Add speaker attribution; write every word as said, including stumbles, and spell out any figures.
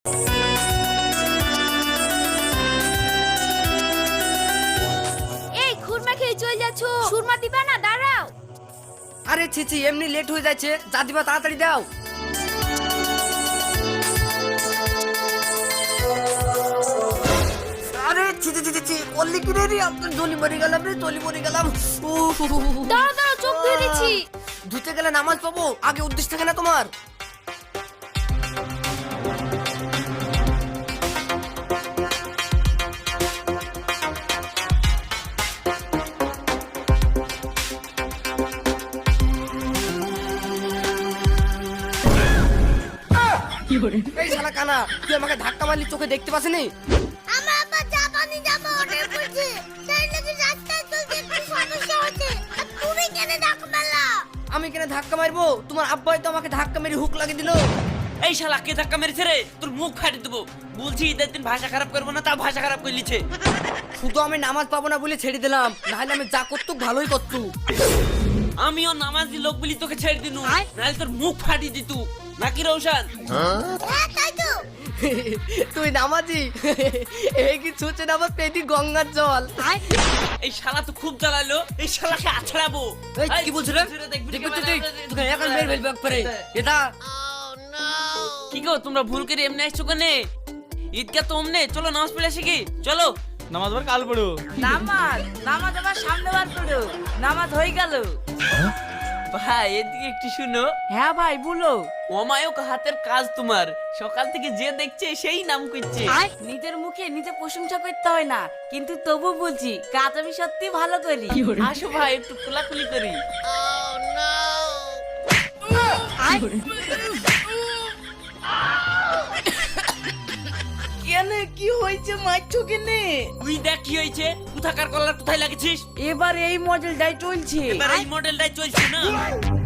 Speaker 1: এই খুরমা খেয়ে চলে যাচ্ছ, সুরমা দিবা না? দাঁড়াও।
Speaker 2: আরে ছিছি, এমনি লেট হয়ে যাচ্ছে, যা দিবা তাড়াতাড়ি দাও। আরে ছিছি ছিছি ছি, করলি কি রে রে? আপনার জলি মরে গেলাম রে, জলি মরে গেলাম। উফ, উফ, উফ, উফ।
Speaker 1: দাঁড়াও দাঁড়াও, চোখ ধুয়ে দিচ্ছি।
Speaker 2: ধুতে গেলে নামাজ পাবো, আগে উদ্দেশ্য থাকে না তোমার? এই শালা কানা, তুই আমাকে ধাক্কা মারলি, চোখে দেখতে পাসনি?
Speaker 1: আমার আব্বা জাপানি জামা অর্ডার করেছে, তাই নাকি রাস্তায় চলতে একটু সমস্যা হচ্ছে। আর তুমি কেন ধাক্কা মারলা?
Speaker 2: আমি কেন ধাক্কা মারবো? তোমার আব্বাই তো আমাকে ধাক্কা মেরে হুক লাগিয়ে দিল।
Speaker 3: এই শালা কে ধাক্কা মেরেছে রে? তোর মুখ ফাটিয়ে দেবো। বলছি ঈদের দিন ভাষা খারাপ করবো না, তা ভাষা খারাপ করে লিছে।
Speaker 2: শুধু আমি নামাজ পাবো না বলে ছেড়ে দিলাম, নাহলে আমি যা করতো ভালোই করতো।
Speaker 3: আমিও নামাজি লোক বলি তোকে ছেড়ে দিনু, নাহলে তোর মুখ ফাটিয়ে দিত নাকি রৌশন?
Speaker 1: হ্যাঁ তাই তো।
Speaker 2: তুই নামাজি? এই কি ছুঁচে নামাজ পেটি গঙ্গার জল।
Speaker 3: এই শালা তো খুব জ্বালালো, এই শালাকে আছড়াবো।
Speaker 2: এই কি বলছ রে? দেখবি তো তুই, তোকে এখন মেরে ফেলবো একবারে। এটা
Speaker 3: কি গো, তোমরা ভুল করে এমনি আসছো কেনে? ঈদকে তো অমনে, চলো নামাজ পড়ে আসি কি? চলো।
Speaker 4: নামাজ আবার কাল পড়ো।
Speaker 5: নামাজ নামাজ আবার সামনে বার করো, নামাজ হয়ে গেল।
Speaker 3: ভাই এদিকে একটু শুনো।
Speaker 5: হ্যাঁ ভাই বলো।
Speaker 3: অমায়ক হাতের কাজ তোমার, সকাল থেকে যে দেখছে সেই নাম করছে।
Speaker 5: নিজের মুখে নিজে প্রশংসা করতে হয় না, কিন্তু তবু বলছি কাজ আমি সত্যি ভালো করি।
Speaker 3: আসো ভাই একটু কোলাকুলি করি।
Speaker 5: কেন কি হয়েছে, মারছো কেনে?
Speaker 3: তুই দেখ কি হয়েছে, কোথাকার কলার কোথায় লাগেছিস?
Speaker 5: এবার এই মডেলটাই চলছে।
Speaker 3: এবার এই মডেলটাই চলছে না।